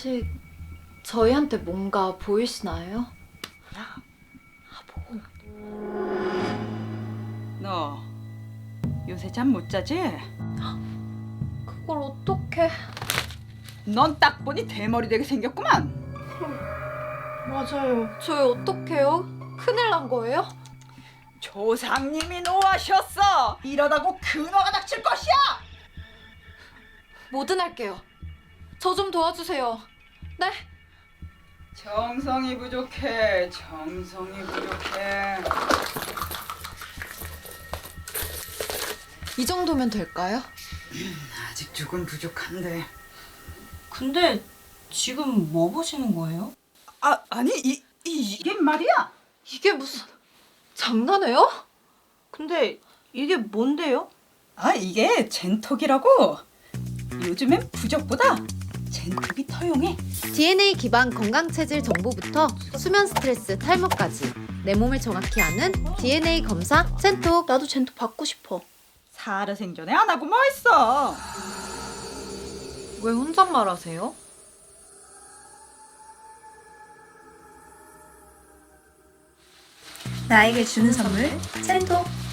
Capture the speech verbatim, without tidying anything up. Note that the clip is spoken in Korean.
혹시 저희한테 뭔가 보이시나요? 너 요새 잠 못 자지? 그걸 어떡해. 넌 딱 보니 대머리 되게 생겼구만. 맞아요. 저희 어떡해요? 큰일 난 거예요? 조상님이 노하셨어. 이러다고 근화가 닥칠 것이야. 뭐든 할게요. 저 좀 도와주세요. 네? 정성이 부족해. 정성이 부족해. 이 정도면 될까요? 아직 조금 부족한데. 근데 지금 뭐 보시는 거예요? 아 아니 이, 이 이게 말이야. 이게 무슨 장난해요? 근데 이게 뭔데요? 아 이게 젠톡이라고. 요즘엔 부적보다 젠톡이 더 용해. 디엔에이 기반 건강체질 정보부터 수면 스트레스 탈모까지 내 몸을 정확히 아는 디엔에이 검사 젠톡. 나도 젠톡 받고 싶어. 살아생전에 안 하고 뭐 했어. 왜 혼잣말 하세요? 나에게 주는 선물 젠톡.